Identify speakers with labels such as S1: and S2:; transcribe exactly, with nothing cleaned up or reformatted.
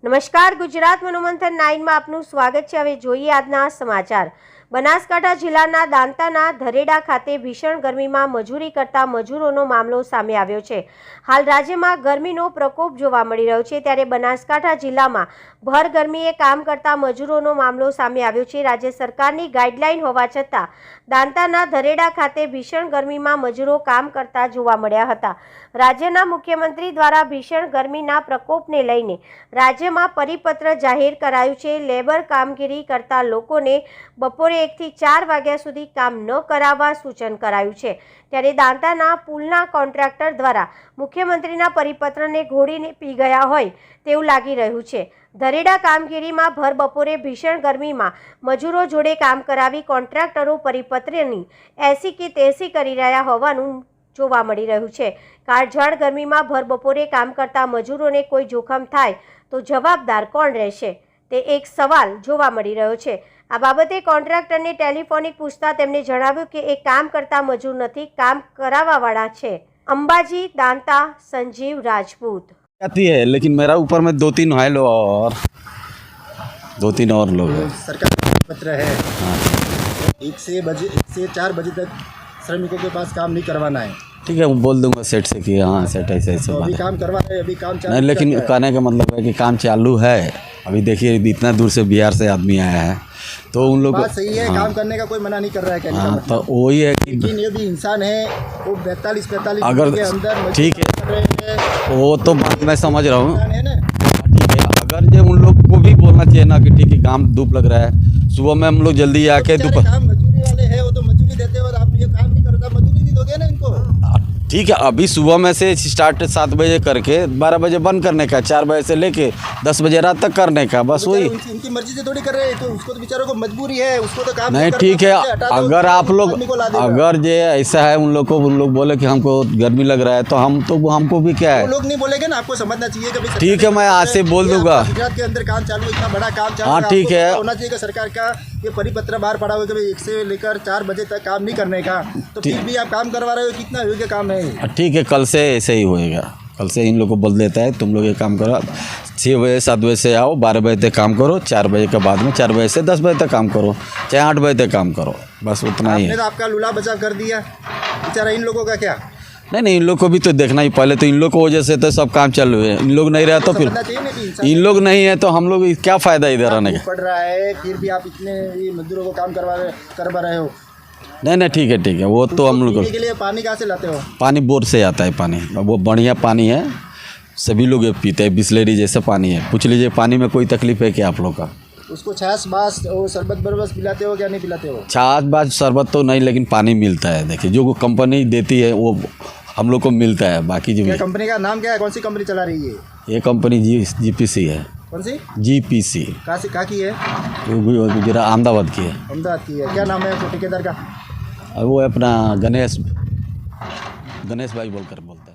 S1: નમસ્કાર, ગુજરાત મનોમંથન નાઇનમાં આપનું સ્વાગત છે। હવે જોઈએ આજના સમાચાર। બનાસકાંઠા જિલ્લાના દાંતાના ધરેડા ખાતે ભીષણ ગરમીમાં મજૂરી કરતા મજૂરોનો મામલો સામે આવ્યો છે। હાલ રાજ્યમાં ગરમીનો પ્રકોપ જોવા મળી રહ્યો છે, ત્યારે બનાસકાંઠા જિલ્લામાં ભર ગરમીએ કામ કરતા મજૂરોનો મામલો સામે આવ્યો છે। રાજ્ય સરકારની ગાઈડલાઈન હોવા છતાં દાંતાના ધરેડા ખાતે ભીષણ ગરમીમાં મજૂરો કામ કરતા જોવા મળ્યા હતા। રાજ્યના મુખ્યમંત્રી દ્વારા ભીષણ ગરમીના પ્રકોપને લઈને રાજ્યમાં પરિપત્ર જાહેર કરાયું છે। લેબર કામગીરી કરતા લોકોને બપોરે એક થી ચાર વાગ્યા સુધી કામ ન કરાવવા સૂચન કરાયું છે। ત્યારે દાંતાના પુલના કોન્ટ્રાક્ટર દ્વારા મુખ્યમંત્રીના પરિપત્રને ઘોડીને પી ગયા હોય તેવું લાગી રહ્યું છે। ધરેડા કામગીરીમાં ભર બપોરે ભીષણ ગરમીમાં મજૂરો જોડે કામ કરાવી કોન્ટ્રાક્ટરો પરિપત્રની એસી કે તેસી કરી રહ્યા હોવાનું જોવા મળી રહ્યું છે। કાળઝાળ ગરમીમાં ભર બપોરે કામ કરતા મજૂરોને કોઈ જોખમ થાય તો જવાબદાર કોણ રહેશે, તે એક સવાલ જોવા મળી રહ્યો છે। આ બાબતે કોન્ટ્રાક્ટરને ટેલિફોનિક પૂછતા તેમણે જણાવ્યું કે એ કામ કરતા મજૂર નથી, કામ કરાવવાવાળા છે। અંબાજી दांता संजीव राजपूत
S2: आती है, लेकिन मेरा ऊपर में दो तीन है लोग और दो तीन और लोग हैं।
S3: सरकार का पत्र है,
S2: हाँ
S3: एक से बजे एक से चार बजे तक श्रमिकों के पास काम नहीं करवाना है।
S2: ठीक है, वो बोल दूंगा सेठ से कि हाँ सेठ ऐसे ऐसे
S3: तो
S2: बात
S3: अभी
S2: है।
S3: काम करवा रहे हैं, अभी काम चालू
S2: नहीं, लेकिन
S3: करता है।
S2: कहने का मतलब है कि काम चालू है। अभी देखिए इतना दूर से बिहार से आदमी आया है, तो उन लोग
S3: बात सही है,
S2: हाँ,
S3: काम करने का कोई मना नहीं कर रहा है, कहने का
S2: हाँ,
S3: मतलब।
S2: तो वही है कि
S3: लेकिन ये भी इंसान है, वो बैतालीस पैंतालीस
S2: अगर
S3: के अंदर मजदूरी
S2: ठीक है,
S3: कर रहे हैं,
S2: वो तो बात मैं समझ रहा हूँ।
S3: इंसान है ना।
S2: ठीक है, अगर जो उन लोग को भी बोलना चाहिए ना कि ठीक है काम धूप लग रहा है, सुबह में हम लोग जल्दी आके
S3: बेचारे
S2: दोपहर
S3: काम मजदूरी वाले हैं, वो तो मजदूरी देते हैं और आप ये काम नहीं करता, मजदूरी नहीं दोगे ना इनको।
S2: ठीक है, अभी सुबह में से स्टार्ट सात बजे करके बारह बजे बंद करने का, चार बजे से लेके दस बजे रात तक करने का, बस
S3: बेचारे
S2: वही।
S3: उनकी उनकी मर्जी से थोड़ी कर रहे हैं, तो उसको तो बेचारों को मजबूरी है, उसको तो काम
S2: नहीं
S3: करना
S2: ठीक है,
S3: चाहिए, हटा दो,
S2: अगर आप लोग
S3: आदमी को ला देगा।
S2: अगर जो ऐसा है उन लोग को उन लोग बोले कि हमको गर्मी लग रहा है, तो हम तो हमको भी क्या
S3: वो
S2: है।
S3: लोग नहीं बोलेंगे ना, आपको समझना चाहिए कि भाई
S2: ठीक है, मैं आज से बोल
S3: ये
S2: दूंगा।
S3: आपका गुजरात के अंदर काम चालू है, इतना बड़ा काम चालू
S2: हाँ,
S3: है,
S2: ठीक
S3: आपको
S2: है।
S3: पता होना चाहिए कि सरकार का ये परिपत्र बाहर पड़ा हुआ है कि भाई एक से लेकर चार बजे तक काम नहीं करने का, तो फिर भी आप काम करवा रहे हो, कितना योग्य काम है।
S2: ठीक है, कल से ऐसे ही होएगा। कल से इन लोग को बोल देता है तुम लोग ये काम करो, छः बजे सात बजे से आओ, बारह बजे तक काम करो, चार बजे के बाद में चार बजे से दस बजे तक काम करो, चाहे आठ बजे तक काम करो, बस उतना ही
S3: आपने
S2: है।
S3: तो आपका लूला बचाव कर दिया, बेचारा इन लोगों का क्या।
S2: नहीं नहीं, इन लोग को भी तो देखना ही, पहले तो इन लोग को वजह से तो सब काम चालू है। इन लोग नहीं रहे तो फिर
S3: समझना चाहिए ना कि इंसान
S2: इन लोग नहीं है तो हम लोग क्या फ़ायदा इधर आने का।
S3: पड़ रहा है, फिर भी आप इतने ये मजदूरों को काम करवा रहे करवा रहे हो।
S2: नहीं नहीं, ठीक है ठीक है, वो तो हम लोग
S3: पीने के लिए पानी कहाँ से लाते हो।
S2: पानी बोर से आता है, पानी वो बढ़िया पानी है, सभी लोग ये पीते हैं, बिस्लेरी जैसा पानी है। पूछ लीजिए पानी में कोई तकलीफ है क्या आप लोग का।
S3: उसको छाछ बास और शरबत बरबस पिलाते हो क्या नहीं पिलाते हो।
S2: छाछ बाज शरबत तो नहीं, लेकिन पानी मिलता है। देखिए जो कंपनी देती है वो हम लोग को मिलता है, बाकी जो
S3: क्या कंपनी का नाम क्या है, कौन सी कंपनी चला रही है
S2: ये कंपनी जी जी पी सी है।
S3: कौन सी
S2: जी पी सी
S3: कहाँ से कहाँ की है।
S2: गुजरात अहमदाबाद की है।
S3: अहमदाबाद की है। क्या नाम है उसको ठेकेदार का।
S2: और वो अपना गणेश गणेश भाई बोलकर बोलते हैं।